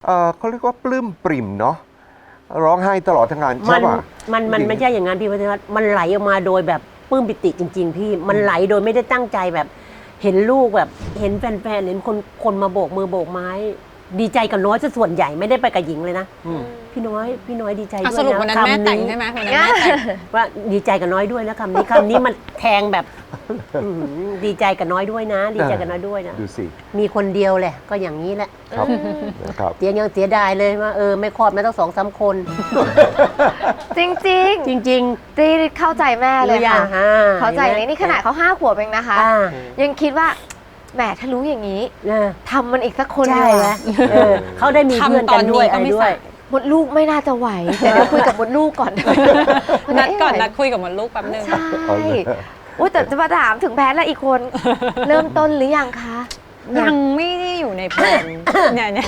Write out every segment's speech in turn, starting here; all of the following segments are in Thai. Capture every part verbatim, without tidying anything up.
ออเขาเรียกว่าปลื้มปริ่มเนาะร้องไห้ตลอดทั้งงานใช่ป่ะมันมันไม่ใช่อย่างนั้นพี่พัฒน์มันไหลออกมาโดยแบบปลื้มปิติจริงๆพี่มันไหลโดยไม่ได้ตั้งใจแบบเห็นลูกแบบเห็นแฟนๆเห็นคนคนมาโบกมือโบกไม้ดีใจกับน้อยซะส่วนใหญ่ไม่ได้ไปกับหญิงเลยนะพี่น้อยพี่น้อยดีใจด้วยนะสรุปวันนั้นแม่แต่งใช่ไหมวันนั้นแม่แต่งว่าดีใจกับน้อยด้วยนะคำนี้คำนี้มันแทงแบบดีใจกับน้อยด้วยนะ ดีใจกับน้อยด้วยนะดูสิมีคนเดียวแหละก็อย่างนี้แหละครับนะครับเสียยังเสียดายเลยว่าเออไม่คลอดไม่ต้องสองสามคนจริงจริงจริงๆที่เข้าใจแม่เลยค่ะเข้าใจเลยนี่ขนาดเขาห้าขวบเองนะคะยังคิดว่าแหมถ้ารู้อย่างนี้ทำมันอีกสักคนเลยนะเขาได้มีเพื่อนกันด้วยอะไรด้วยมดลูกไม่น่าจะไหวแต่เดี๋ยวคุยกับมดลูกก่อนนัดก่อนนัดคุยกับมดลูกแป๊บนึงใช่อุ้ยแต่จะมาถามถึงแพทย์แล้วอีกคนเริ่มต้นหรือยังคะยังไม่ได้อยู่ในแผนเนี่ยเนี่ย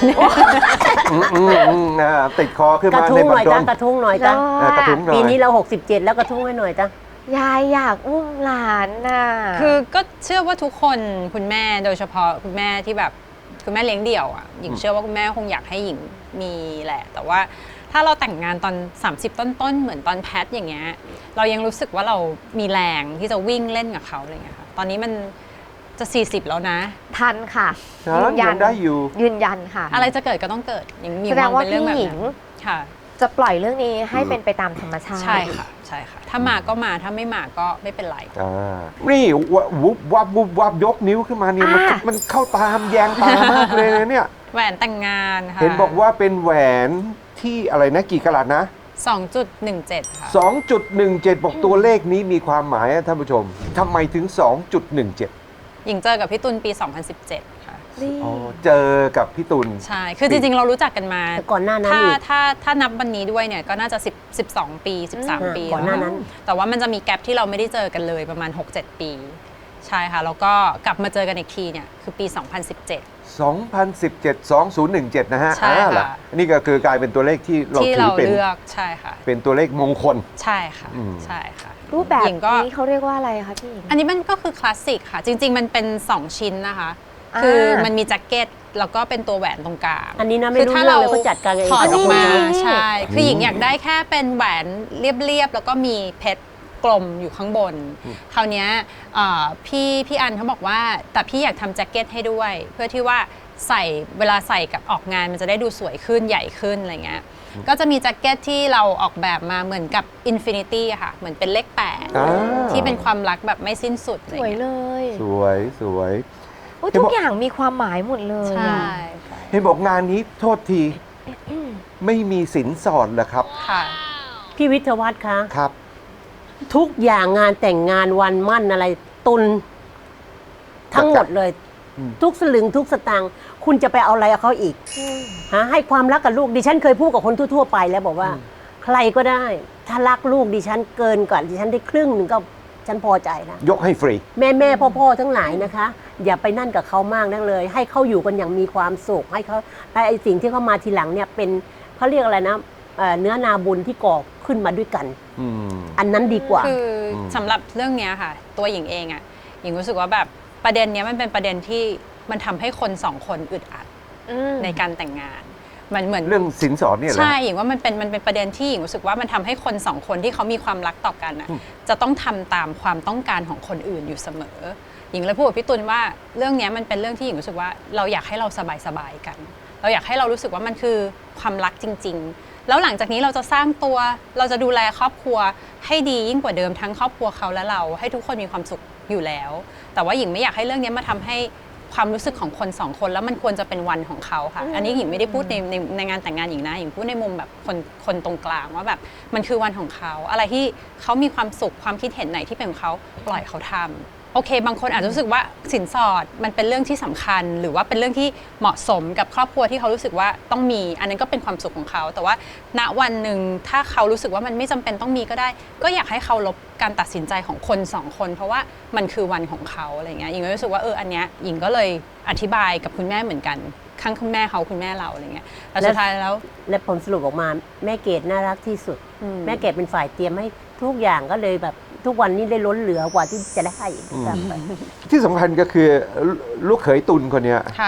ติดคอขึ้นมากระทุ้งหน่อยจ้ากระทุ้งหน่อยจ้าปีนี้เราหกสิบเจ็ดแล้วกระทุ้งให้หน่อยจ้ายายอยากอุ้มหลานน่ะคือก็เชื่อว่าทุกคนคุณแม่โดยเฉพาะคุณแม่ที่แบบคุณแม่เลี้ยงเดี่ยวอ่ะหญิงเชื่อว่าคุณแม่คงอยากให้หญิงมีแหละแต่ว่าถ้าเราแต่งงานตอนสามสิบต้นๆเหมือนตอนแพทอย่างเงี้ยเรายังรู้สึกว่าเรามีแรงที่จะวิ่งเล่นกับเขาอะไรเงี้ยค่ะตอนนี้มันจะสี่สิบแล้วนะทันค่ะยืนยันได้อยู่ยืนยันค่ะอะไรจะเกิดก็ต้องเกิดอย่างมีมองเป็นเรื่องแบบนั้นค่ะจะปล่อยเรื่องนี้ให้เป็นไปตามธรรมชาติใช่ค่ะใช่ค่ะถ้ามาก็มาถ้าไม่มาก็ไม่เป็นไรนี่วุบวับวุบวับยกนิ้วขึ้นมานี่มันเข้าตามแยงตามากเลยนะเนี่ยแหวนแต่งงานค่ะเห็นบอกว่าเป็นแหวนที่อะไรนะกี่กะรัตนะสองจุดหนึ่งเจ็ด ค่ะสองจุดหนึ่งเจ็ด บอกตัวเลขนี้มีความหมายท่านผู้ชมทำไมถึง สองจุดหนึ่งเจ็ดหญิงเจอกับพี่ตุลปีสองพันสิบเจ็ดค่ะอ๋อเจอกับพี่ตุลใช่คือจริงๆเรารู้จักกันมาก่อนหน้านั้นถ้าถ้าถ้านับวันนี้ด้วยเนี่ยก็น่าจะสิบ สิบสองปีสิบสามปีก่อนหน้านั้นแต่ว่ามันจะมีแกลบที่เราไม่ได้เจอกันเลยประมาณ หกเจ็ด ปีใช่ค่ะแล้วก็กลับมาเจอกันอีกทีเนี่ยคือปีสองพันสิบเจ็ดสองพันสิบเจ็ด สองพันสิบเจ็ด นะฮะใช่ค่ะนี่ก็คือกลายเป็นตัวเลขที่เราถือเป็นเลือกใช่ค่ะเป็นตัวเลขมงคลใช่ค่ะใช่ค่ะรูปแบบนี้เขาเรียกว่าอะไรคะพี่อันนี้มันก็คือคลาสสิกค่ะจริงๆมันเป็นสองชิ้นนะคะคือมันมีแจ็คเก็ตแล้วก็เป็นตัวแหวนตรงกลางอันนี้นะไม่รู้เรื่องเลยเขาจัดการเองถอดออกมาใช่คือหญิงอยากได้แค่เป็นแหวนเรียบๆแล้วก็มีเพชรกลมอยู่ข้างบนคราวนี้พี่พี่อันเขาบอกว่าแต่พี่อยากทำแจ็คเก็ตให้ด้วยเพื่อที่ว่าใส่เวลาใส่กับออกงานมันจะได้ดูสวยขึ้นใหญ่ขึ้นอะไรเงี้ยก็จะมีแจ็คเก็ตที่เราออกแบบมาเหมือนกับ Infinity อะค่ะเหมือนเป็นเลขแปดที่เป็นความรักแบบไม่สิ้นสุดสวยเลยสวยสวยทุกอย่างมีความหมายหมดเลยใช่เห็นบอกงานนี้โทษทีไม่มีสินสอดเหรอครับค่ะพี่วิทยวัฒน์คะครับทุกอย่างงานแต่งงานวันมั่นอะไรตุนทั้งหมดเลยทุกสลึงทุกสตางค์คุณจะไปเอาอะไรเอาเขาอีกฮะให้ความรักกับลูกดิฉันเคยพูดกับคนทั่วๆไปแล้วบอกว่าใครก็ได้ถ้ารักลูกดิฉันเกินกว่าดิฉันได้ครึ่งหนึ่งก็ฉันพอใจนะยกให้ฟรีแม่แม่พ่อพ่อทั้งหลายนะคะอย่าไปนั่นกับเขามากนักเลยให้เขาอยู่กันอย่างมีความสุขให้เขาไอ้สิ่งที่เขามาทีหลังเนี่ยเป็นเขาเรียกอะไรนะเนื้อนาบุญที่ก่อขึ้นมาด้วยกันอันนั้นดีกว่าคือสำหรับเรื่องนี้ค่ะตัวหญิงเองอ่ะหญิงรู้สึกว่าแบบประเด็นนี้มันเป็นประเด็นที่มันทำให้คนสองคนอึดอัดในการแต่งงานมันเหมือนเรื่องสินสอดเนี่ยใช่หญิงว่ามันเป็นมันเป็นประเด็นที่หญิงรู้สึกว่ามันทำให้คนสองคนที่เขามีความรักต่อกันอ่ะจะต้องทำตามความต้องการของคนอื่นอยู่เสมอหญิงเลยพูดกับพี่ตุลว่าเรื่องนี้มันเป็นเรื่องที่หญิงรู้สึกว่าเราอยากให้เราสบายๆกันเราอยากให้เรารู้สึกว่ามันคือความรักจริงๆแล้วหลังจากนี้เราจะสร้างตัวเราจะดูแลครอบครัวให้ดียิ่งกว่าเดิมทั้งครอบครัวเขาและเราให้ทุกคนมีความสุขอยู่แล้วแต่ว่าหญิงไม่อยากให้เรื่องนี้มาทำให้ความรู้สึกของคนสองคนแล้วมันควรจะเป็นวันของเขาค่ะอันนี้หญิงไม่ได้พูดในในในงานแต่งงานหญิงนะหญิงพูดในมุมแบบคนคนตรงกลางว่าแบบมันคือวันของเขาอะไรที่เขามีความสุขความคิดเห็นไหนที่เป็นของเขาปล่อยเขาทำโอเคบางคนอาจจะรู้สึกว่าสินสอดมันเป็นเรื่องที่สำคัญหรือว่าเป็นเรื่องที่เหมาะสมกับครอบครัวที่เขารู้สึกว่าต้องมีอันนั้นก็เป็นความสุขของเขาแต่ว่าณวันหนึ่งถ้าเขารู้สึกว่ามันไม่จำเป็นต้องมีก็ได้ก็อยากให้เขาลบการตัดสินใจของคนสองคนเพราะว่ามันคือวันของเขาอะไรเงี้ยหญิงก็รู้สึกว่าเอออันเนี้ยหญิงก็เลยอธิบายกับคุณแม่เหมือนกันข้างคุณแม่เขาคุณแม่เราอะไรเงี้ยแต่สุดท้ายแล้วและผลสรุปออกมาแม่เกดน่ารักที่สุดแม่เกดเป็นฝ่ายเตรียมให้ทุกอย่างก็เลยแบบทุกวันนี้ได้ล้นเหลือกว่าที่จะได้ให้ที่สำคัญก็คือลูกเขยตุลคนนี้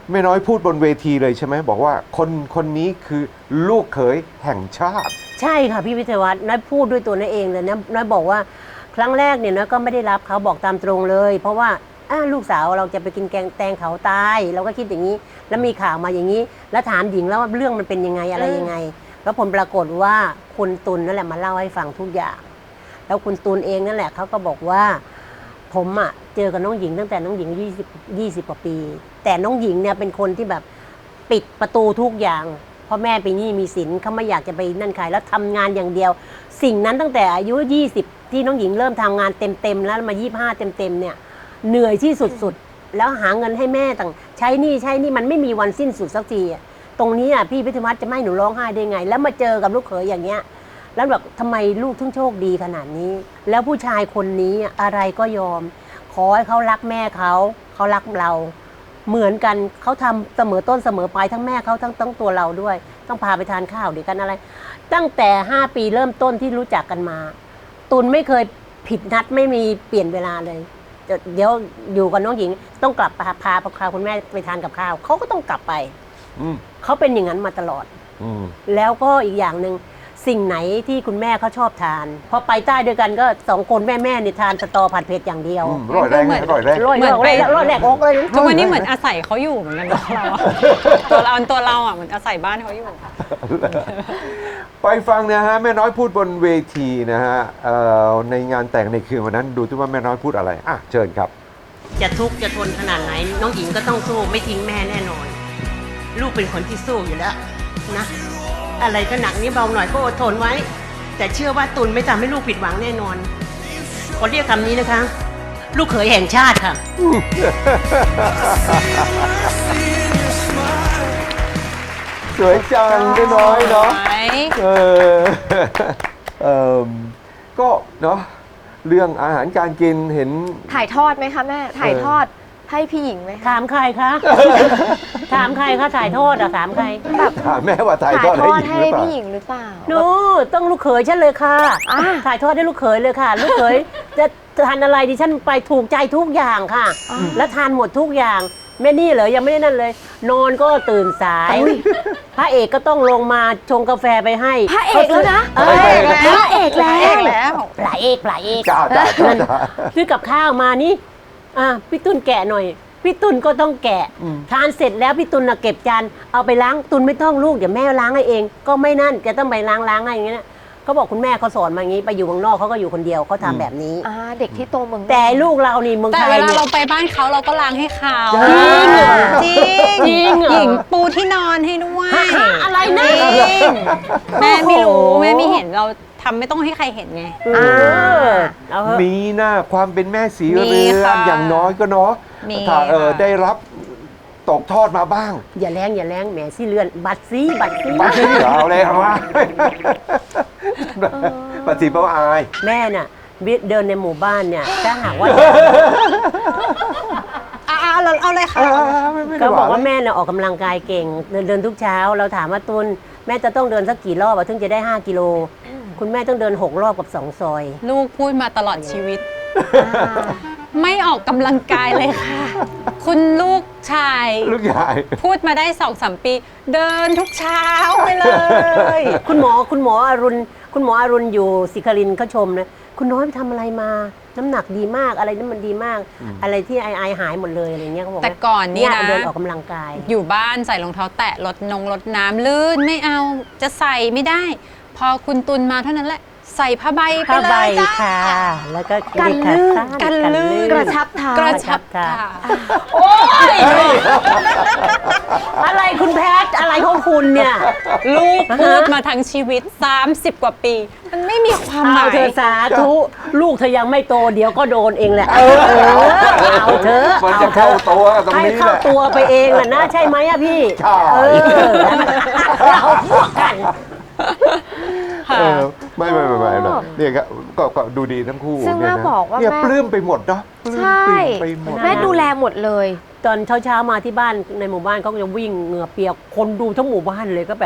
แม่น้อยพูดบนเวทีเลยใช่ไหมบอกว่าคนคนนี้คือลูกเขยแห่งชาติใช่ค่ะพี่วิทยาวัฒน์น้อยพูดด้วยตัวน้อยเองเลยนะน้อยบอกว่าครั้งแรกเนี่ยน้อยก็ไม่ได้รับเขาบอกตามตรงเลย เพราะว่าอ้าลูกสาวเราจะไปกินแกงแตงเขาตายเราก็คิดอย่างนี้ แล้วมีข่าวมาอย่างนี้ แล้วถามหญิงแล้วว่าเรื่องมันเป็นยังไงอะไรยังไง แล้วผลปรากฏว่าคุณตุลนั่นแหละมาเล่าให้ฟังทุกอย่าง แล้วคุณตุลเองนั่นแหละเขาก็บอกว่าผมอ่ะเจอกับน้องหญิงตั้งแต่น้องหญิงยี่สิบ ยี่สิบกว่าปี แต่น้องหญิงเนี่ยเป็นคนที่แบบปิดประตูทุกอย่างเพราะแม่ไปนี่มีสินเขาไม่อยากจะไปนั่นใครแล้วทำงานอย่างเดียว สิ่งนั้นตั้งแต่อายุยี่สิบที่น้องหญิงเริ่มทำงานเต็มๆแล้วมายี่สิบห้าเต็มๆเนี่ยเหนื่อยที่สุดๆแล้วหาเงินให้แม่ต่างใช้หนี่ใช้หนี่มันไม่มีวันสิ้นสุดสักทีอะตรงนี้อ่ะพี่พิทวัฒน์จะไม่ให้หนูร้องไห้ได้ไง แล้วมาเจอกับลูกเขยอย่างเงี้ยแล้วแบบทำไมลูกถึงโชคดีขนาดนี้ แล้วผู้ชายคนนี้อะไรก็ยอมขอให้เขารักแม่เขาเขารักเราเหมือนกันเขาทำเสมอต้นเสมอปลายทั้งแม่เขาทั้งทั้งตัวเราด้วยต้องพาไปทานข้าวด้วยกันอะไร ตั้งแต่ห้าปีเริ่มต้นที่รู้จักกันมาตุลไม่เคยผิดนัดไม่มีเปลี่ยนเวลาเลยเดี๋ยวอยู่กับน้องหญิงต้องกลับพาพาพาคุณแม่ไปทานกับข้าวเขาก็ต้องกลับไปเขาเป็นอย่างนั้นมาตลอดแล้วก็อีกอย่างหนึ่งสิ่งไหนที่คุณแม่เขาชอบทานพอไปใต้ด้วยกันก็สองคนแม่แม่เนี่ยทานสตอผัดเผ็ดอย่างเดียวร่อยแรงร่อยแรงร่อยแรงร่อยแรงออกเลยทุกวันนี้เหมือนอาศัยเขาอยู่เหมือนกันเราตัวเราตัวเราอ่ะเหมือนอาศัยบ้านเขาอยู่ไปฟังนะฮะแม่น้อยพูดบนเวทีนะฮะในงานแต่งในคืนวันนั้นดูที่ว่าแม่น้อยพูดอะไรอ่ะเชิญครับจะทุกข์จะทนขนาดไหนน้องหญิงก็ต้องสู้ไม่ทิ้งแม่แน่นอนลูกเป็นคนที่สู้อยู่แล้วนะอะไรก็หนักนี้เบาหน่อยก็อดทนไว้แต่เชื่อว่าตุลไม่ทำให้ลูกผิดหวังแน่นอนขอเรียกคำนี้นะคะลูกเขยแห่งชาติค่ะสวยจังแม่น้อยเนาะเออเออก็เนาะเรื่องอาหารการกินเห็นถ่ายทอดไหมคะแม่ถ่ายทอดให้พี่หญิงไหมถามใครคะถามใครคะถ่ายทอดอะถามใครแบบถามแม่ว่าถ่ายทอดให้พี่หญิงหรือเปล่าโน้ต้องลูกเขยฉันเลยค่ะถ่ายทอดให้ลูกเขยเลยค่ะลูกเขยจะทานอะไรดิฉันไปถูกใจทุกอย่างค่ะและทานหมดทุกอย่างแม่นี่เหรอยังไม่ได้นั่นเลยนอนก็ตื่นสายพระเอกก็ต้องลงมาชงกาแฟไปให้พระเอกแล้วนะพระเอกแล้วพระเอกพระเอกซื้อกับข้าวมานี่อ่ะพี่ตุลแกะหน่อยพี่ตุลก็ต้องแกะทานเสร็จแล้วพี่ตุลเก็บจานเอาไปล้างตุลไม่ต้องลูกเดี๋ยวแม่ล้างให้เองก็ไม่นั่นแกต้องไปล้างล้างให้อย่างเงี้ยเขาบอกคุณแม่เขาสอนมาอย่างนี้ไปอยู่เมืองนอกเขาก็อยู่คนเดียวเขาทำแบบนี้เด็กที่โตเมืองแต่ลูกเรานี่เมืองไทยแต่เวลาเราไปบ้านเขาเราก็ล้างให้เขาจริงจริงหญิงปูที่นอนให้ด้วยอะไรนะแม่ไม่รู้แม่ไม่เห็นเราทำไม่ต้องให้ใครเห็นไงมีหน้าความเป็นแม่สีเรือนอย่างน้อยก็เนาะถ้าได้รับตกทอดมาบ้างอย่าแรงอย่าแรงแหมสีเรือนบัตรซีบัตรซีบัตรซีเอาเลยเอาว่าบัตรซีเพราะอายแม่น่ะเดินในหมู่บ้านเนี่ยถ้าหากว่าเอาเราเอาเลยค่ะก็บอกว่าแม่น่ะออกกำลังกายเก่งเดินทุกเช้าเราถามว่าตุลแม่จะต้องเดินสักกี่รอบถึงจะได้ห้ากิโลคุณแม่ต้องเดินหกรอบกับสองซอยลูกพูดมาตลอดชีวิตไม่ออกกำลังกายเลยค่ะคุณลูกชายลูกชายพูดมาได้สองสามปีเดินทุกเช้าไปเลยคุณหมอคุณหมออรุณคุณหมออรุณอยู่ศิครินทร์เขาชมนะคุณน้อยไปทำอะไรมาน้ำหนักดีมากอะไรนั่นมันดีมากอะไรที่ไอไอหายหมดเลยอะไรเงี้ยเขาบอกแต่ก่อนนี่นะเดินออกกำลังกายอยู่บ้านใส่รองเท้าแตะลดนงลดน้ำลื่นไม่เอาจะใส่ไม่ได้พอคุณตุลมาเท่านั้นแหละใส่ผ้าใบไปเลยจ้าค่ะแล้วก็กันลื่นกันลื่นกระชับเท้ากระชับเท้าโอ้ยอะไรคุณแพทอะไรของคุณเนี่ยลูกพูดมาทั้งชีวิตสามสิบกว่าปีมันไม่มีความหมายเธอสาธุลูกเธอยังไม่โตเดี๋ยวก็โดนเองแหละเออเอาเธอมันจะเข้าตัวตรงนี้แหละให้เข้าตัวไปเองแหละนะใช่ไหมอะพี่เออเราพวกกันไม่ไม่ไม่ไม่เนี่ยก็ก็ดูดีทั้งคู่ซึ่งแม่บอกว่าเนี่ยปลื้มไปหมดเนาะใช่แม่ดูแลหมดเลยตอนเช้าๆมาที่บ้านในหมู่บ้านเขาจะวิ่งเหงื่อเปียกคนดูทั้งหมู่บ้านเลยก็แบบ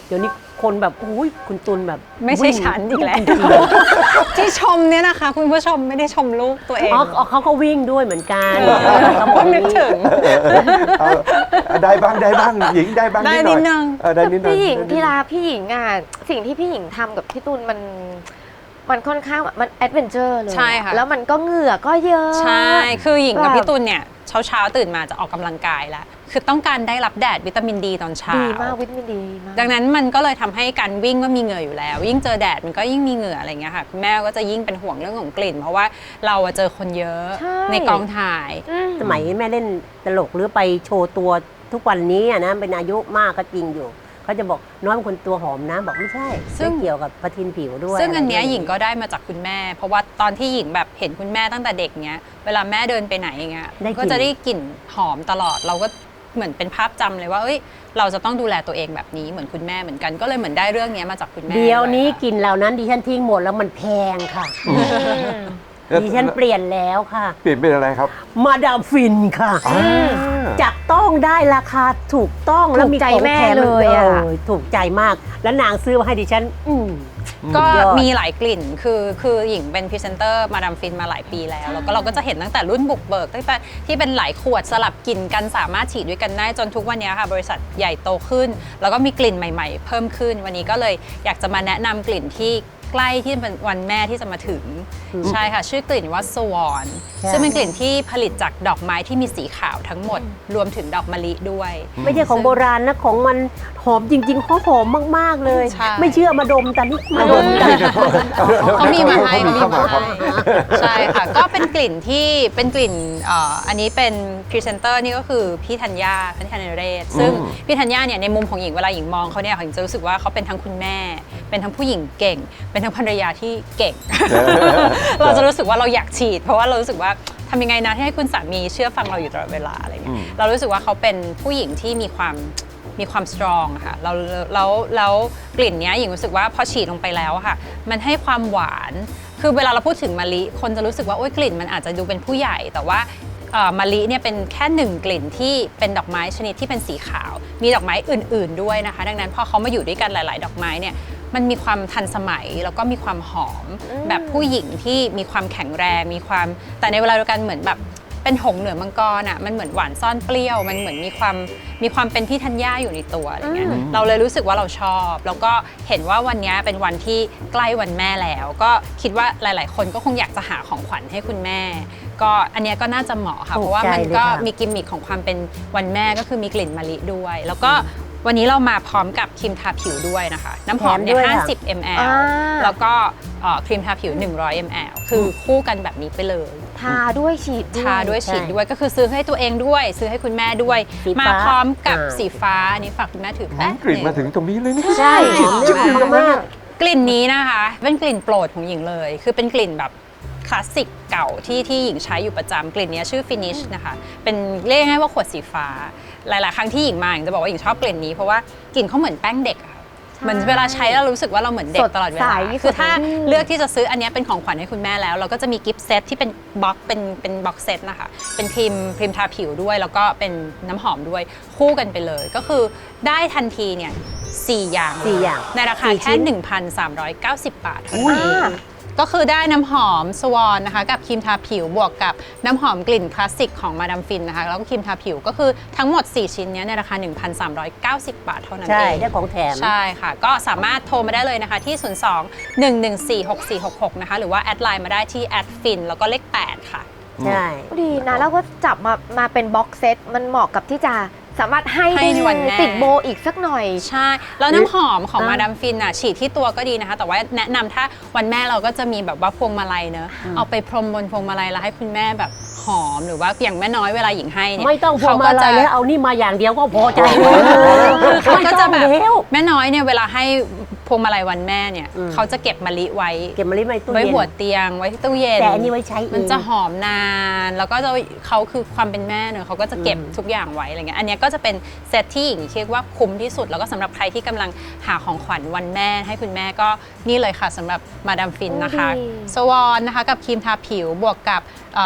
เดี๋ยวนี้คนแบบอุ้ยคุณตุลแบบไม่ใช่ฉันอีกแล้วจริงที่ชมเนี่ยนะคะ คุณผู้ชมไม่ได้ชมลูกตัวเองๆอ๋ออ๋อเขาก็วิ่งด้วยเหมือนกันเขาบเพิ่อกงนึกถึงเอาเอาได้บ้างได้บ้างหญิงได้บ้างได้นิดหน่อยนิดนึงเออได้นิดหน่อยพี่หญิงได้นิดพี่ลาพี่หญิงอ่ะสิ่งที่พี่หญิงทำกับพี่ตุลมันมันค่อนข้างมันแอดเวนเจอร์เลยใช่ค่ะแล้วมันก็เหงื่อก็เยอะใช่ คือหญิงกับแบบพี่ตุลเนี่ยเช้าเช้าๆตื่นมาจะออกกำลังกายแล้ว คือต้องการได้รับแดดวิตามินดีตอนเช้าดีมากวิตามินดีมากดังนั้นมันก็เลยทำให้การวิ่งก็มีเหงื่ออยู่แล้ว ยิ่งเจอแดดมันก็ยิ่งมีเหงื่ออะไรเงี้ยค่ะคุณแม่ก็จะยิ่งเป็นห่วงเรื่องของกลิ่น เพราะว่าเราอะเจอคนเยอะใช่ในกองถ่ายอืมสมัยแม่เล่นตลกหรือไปโชว์ตัวทุกวันนี้อะนะเป็นอายุมากก็จริงอยู่เขาจะบอกน้องเป็นคนตัวหอมนะบอกไม่ใช่ซึ่งไม่เกี่ยวกับประทินผิวด้วยซึ่งอันเนี้ยะไรหญิงก็ได้มาจากคุณแม่ เพราะว่าตอนที่หญิงแบบเห็นคุณแม่ตั้งแต่เด็กเนี้ยเวลาแม่เดินไปไหนอย่างเงี้ยก็จะได้กลิ่นหอมตลอดเราก็เหมือนเป็นภาพจำเลยว่าเอ้ยเราจะต้องดูแลตัวเองแบบนี้เหมือนคุณแม่เหมือนกันก็เลยเหมือนได้เรื่องเนี้ยมาจากคุณแม่เดี๋ยวนี้ด้กลิ่นเหล่านั้นดิฉันทิ้งหมดแล้วมันแพงค่ะ ดิฉันเปลี่ยนแล้วค่ะเปลี่ยนเป็นอะไรครับมาดามฟินค่ะอ่าจับต้องได้ราคาถูกต้องแล้วมีถูกใจของแม่แถมเลยอะออถูกใจมาก แล้วนางซื้อมาให้ดิฉัน อืมก็สุดยอดมีหลายกลิ่น คือคือหญิงเป็นพรีเซนเตอร์มาดามฟินมาหลายปีแล้ว แล้วก็เราก็จะเห็นตั้งแต่รุ่นบุกเบิกตั้งแต่ที่เป็นหลายขวดสลับกลิ่นกันสามารถฉีดด้วยกันได้จนทุกวันนี้ค่ะบริษัทใหญ่โตขึ้น แล้วก็มีกลิ่นใหม่ๆ เพิ่มขึ้น วันนี้ก็เลยอยากจะมาแนะนำกลิ่นที่ใกล้ที่เป็นวันแม่ที่จะมาถึง ใช่ค่ะ ชื่อกลิ่นว่าสวอนใช่ซึ่งเป็นกลิ่นที่ผลิตจากดอกไม้ที่มีสีขาวทั้งหมด รวมถึงดอกมะลิด้วยไม่ใช่ของโบราณนะ ของมันหอมจริงๆเขาหอมมากๆเลยใช่ไม่เชื่อมาดมกันนี่มาดมกันเขามีมาให้เขามีเข้ามาครับใช่ค่ะ ก็เป็นกลิ่นที่เป็นกลิ่นเอ่ออันนี้เป็นพรีเซนเตอร์นี่ก็คือพี่ธัญญาพี่ธัญเรศซึ่งอืมพี่ธัญญาเนี่ยในมุมของหญิงเวลาหญิงมองเขาเนี่ยหญิงจะรู้สึกว่าเขาเป็นทั้งคุณแม่ เป็นทั้งผู้หญิงเก่ง เป็นทั้งภรรยาที่เก่ง เราจะรู้สึกว่าเราอยากฉีด เพราะว่าเรารู้สึกว่าทำยังไงนะที่ให้คุณสามีเชื่อฟังเราอยู่ตลอดเวลาอะไรเงี้ยอืมเรารู้สึกว่าเขาเป็นผู้หญิงที่มีความมีความสตรองค่ะเราแล้วแล้วกลิ่นเนี้ยหญิงรู้สึกว่าพอฉีดลงไปแล้วอะค่ะมันให้ความหวานคือเวลาเราพูดถึงมะลิคนจะรู้สึกว่าโอ๊ยกลิ่นมันอาจจะดูเป็นผู้ใหญ่ แต่ว่าเอ่อมะลิเนี่ยเป็นแค่หนึ่งกลิ่นที่เป็นดอกไม้ชนิดที่เป็นสีขาว มีดอกไม้อื่น ๆด้วยนะคะ ดังนั้นพอเขามาอยู่ด้วยกันหลาย ๆ ดอกไม้เนี่ยมันมีความทันสมัยแล้วก็มีความหอม แบบผู้หญิงที่มีความแข็งแรงมีความแต่ในเวลาเดียวกันเหมือนแบบเป็นหงส์เหนือมังกรอ่ะมันเหมือนหวานซ่อนเปรี้ยวมันเหมือนมีความมีความเป็นพี่ธัญญาอยู่ในตัวอะไรเงี้ยเราเลยรู้สึกว่าเราชอบ แล้วก็เห็นว่าวันนี้เป็นวันที่ใกล้วันแม่แล้ว ก็คิดว่าหลาย ๆ คนก็คงอยากจะหาของขวัญให้คุณแม่ ก็อันเนี้ยก็น่าจะเหมาะค่ะถูกเพราะว่ามันใจเลยก็ค่ะมีกิมมิคของความเป็นวันแม่ก็คือมีกลิ่นมะลิด้วย แล้วก็วันนี้เรามาพร้อมกับครีมทาผิวด้วยนะคะ น้ำหอมเนี่ยแถมด้วยห้าค่ะสิบ มิลลิลิตรอ่าแล้วก็เอ่อครีมทาผิว หนึ่งร้อย มิลลิลิตร คือคู่กันแบบนี้ไปเลยทาด้วยฉีดด้วยทาด้วยใช่ฉีดด้วยก็คือซื้อให้ตัวเองด้วย ซื้อให้คุณแม่ด้วยสีมาฟ้าพร้อมกับอ่าสีฟ้าอันนี้ฝากคุณแม่ถือแป๊บกลิ่นมาถึงหงตรงนี้เลยนี่ใช่จุดๆอยู่ตรงนั้นน่ะกลิ่นนี้นะคะเป็นกลิ่นโปรดของหญิงเลย คือเป็นกลิ่นแบบคลาสสิกเก่าที่ที่หญิงใช้อยู่ประจำกลิ่นนี้ชื่อ Finish นะคะเป็นเรียกง่ายๆว่าขวดสีฟ้า หลายๆครั้งที่หญิงมาหญิงจะบอกว่าหญิงชอบกลิ่นนี้เพราะว่ากลิ่นเขาเหมือนแป้งเด็กอะค่ะเหมือนเวลาใช้แล้วรู้สึกว่าเราเหมือนเด็กตลอดเวลาสดใสคือถ้าสดชื่นเลือกที่จะซื้ออันนี้เป็นของขวัญให้คุณแม่แล้ว เราก็จะมีกิฟต์เซตที่เป็นบ็อกเป็นเป็นบ็อกเซตนะคะเป็นครีมครีมทาผิวด้วย แล้วก็เป็นน้ำหอมด้วยคู่กันไปเลย ก็คือได้ทันทีเนี่ยสี่อย่างสี่อย่างในราคาสี่แค่ชิ้นหนึ่งพันสามร้อยเก้าสิบ บาทเท่าอุ้นั้นยเองก็คือได้น้ำหอมสวอนนะคะกับครีมทาผิวบวกกับน้ำหอมกลิ่นคลาสสิกของมาดามฟินนะคะแล้วก็ครีมทาผิวก็คือทั้งหมดสี่ชิ้นเนี้ยในราคา หนึ่งพันสามร้อยเก้าสิบ บาทเท่านั้นใช่เองได้ของแถมใช่ค่ะ ก็สามารถโทรมาได้เลยนะคะที่ ศูนย์ สอง หนึ่ง หนึ่ง สี่ หก สี่ หก หก นะคะ หรือว่าแอดไลน์มาได้ที่แอดฟินแล้วก็เลขแปดค่ะใช่ดีนะแล้วก็จับมามาเป็นบ็อกเซตมันเหมาะกับที่จะสามารถให้ให้ได้ในวันแม่ติดโบอีกสักหน่อยใช่ แล้วน้ำหอมของอ่ามมาดามฟินอ่ะฉีดที่ตัวก็ดีนะคะ แต่ว่าแนะนำถ้าวันแม่เราก็จะมีแบบว่าพวงมาลัยเนอะเอาไปพรมบนพวงมาลัยแล้วให้คุณแม่แบบหอมหรือว่าอย่างแม่น้อยเวลาหญิงให้เนี่ยไม่ต้องพวงมาลัยแล้วเอานี่มาอย่างเดียวก็พอใจแล้วคือเขาก็จะแบบไม่ต้องแล้วแม่น้อยเนี่ยเวลาให้พวงมาลัยวันแม่เนี่ยอืมเขาจะเก็บมะลิไว้เก็บมาลิไว้ตู้ไว้เย็นหัวเตียงไว้ที่ตู้เย็นแต่อันนี้ไว้ใช้เองมันจะหอมนาน แล้วก็จะเขาคือความเป็นแม่เนอะเขาก็จะเก็บอืมทุกอย่างไว้อะไรเงี้ยอันเนี้ยก็จะเป็นเซตที่หญิงคิดว่าคุ้มที่สุด แล้วก็สำหรับใครที่กำลังหาของขวัญวันแม่ให้คุณแม่ก็นี่เลยค่ะสำหรับมาดามฟินนะคะดีสวอนนะคะกับครีมทาผิวบวกกับเอ่อ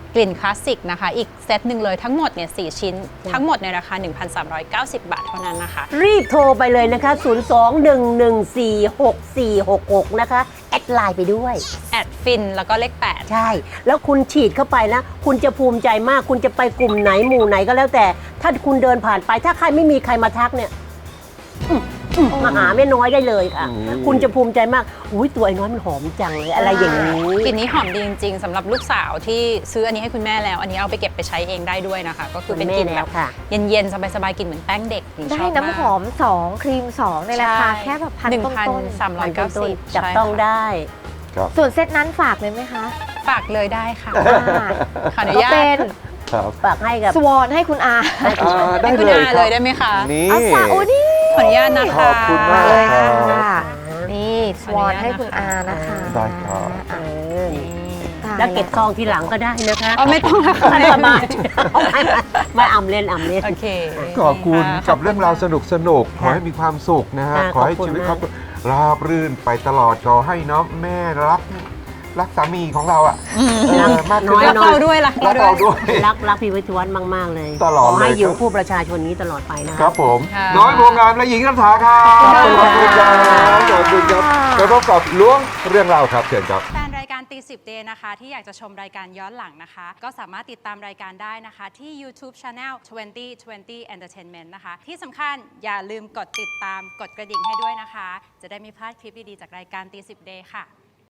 กลิ่นคลาสสิกนะคะอีกเซตหนึ่งเลยทั้งหมดเนี่ยสี่ชิ้นทั้งหมดในราคา หนึ่งพันสามร้อยเก้าสิบ บาทเท่านั้นนะคะรีบโทรไปเลยนะคะ ศูนย์ สอง หนึ่ง หนึ่ง สี่ หก สี่ หก หก นะคะ แอดไลน์ไปด้วยแอดฟินแล้วก็เลขแปดใช่ แล้วคุณฉีดเข้าไปนะ คุณจะภูมิใจมาก คุณจะไปกลุ่มไหนหมู่ไหนก็แล้วแต่ ถ้าคุณเดินผ่านไป ถ้าใครไม่มีใครมาทักเนี่ยอืมอืมมาหาแม่น้อยได้เลยค่ะ คุณจะภูมิใจมาก อุ้ยตัวไอ้น้อยมันหอมจังเลย อะไรอย่างนี้กลิ่นนี้หอมดีจริงๆสำหรับลูกสาวที่ซื้ออันนี้ให้คุณแม่แล้ว อันนี้เอาไปเก็บไปใช้เองได้ด้วยนะคะ ก็คือเป็นกลิ่นแบบเย็นๆสบายๆกลิ่นเหมือนแป้งเด็กได้น้ำหอมสองครีมสองในราคาแค่แบบพันต้นๆสามร้อยเก้าสิบจับต้องได้ส่วนเซตนั้นฝากเลยไหมคะฝากเลยได้ค่ะขออนุก็ญาตเป็นฝากให้กับสวอนให้คุณอาได้คุณเลยอาคเลรับยได้ไหมคะนี่เอาฝากโอ้นี่ขออนุญาตนะคะขอบคุณมากเลยครัค่ะบนี่สวอนให้คุณอานะคะได้ครับเออแล้วเก็บทองทีหลังก็ได้นะคะอ๋อไม่ต้องละค่ะไม่สบายไม่ไม่อ่ำเล่นอ่ำเล่นโอเคขอบคุณค่ะกับเรื่องราวสนุกสนุกๆขค่ะอให้มีความสุขนะฮะค่ะขอให้ขอบคุณชีวิตมากครอบครัวราบรื่นไปตลอดขอให้เนาะแม่รักรักสามีของเราอ่ะเออมากขึ้นรักเราด้วยรักรักเราเราด้ด้ววย ยรักรักพี่วิทยวัฒน์มาก ๆ เลยตลอดขอให้เลยอยู่ครับคู่ประชาชนนี้ตลอดไปนะครับผมค่ะน้อยโพงามและหญิงรัฐาครับขอบคุณคค่ะรับขอบคุณครับไปพบกับล้วงเรื่องราวครับเชิญครับแฟนรายการตีสิบเดย์นะคะที่อยากจะชมรายการย้อนหลังนะคะ ก็สามารถติดตามรายการได้นะคะ ที่ YouTube Channel ยี่สิบ ยี่สิบ Entertainment นะคะ ที่สำคัญอย่าลืมกดติดตามกดกระดิ่งให้ด้วยนะคะ จะได้ไม่พลาดคลิปดี ๆ จากรายการตีสิบเดย์ค่ะ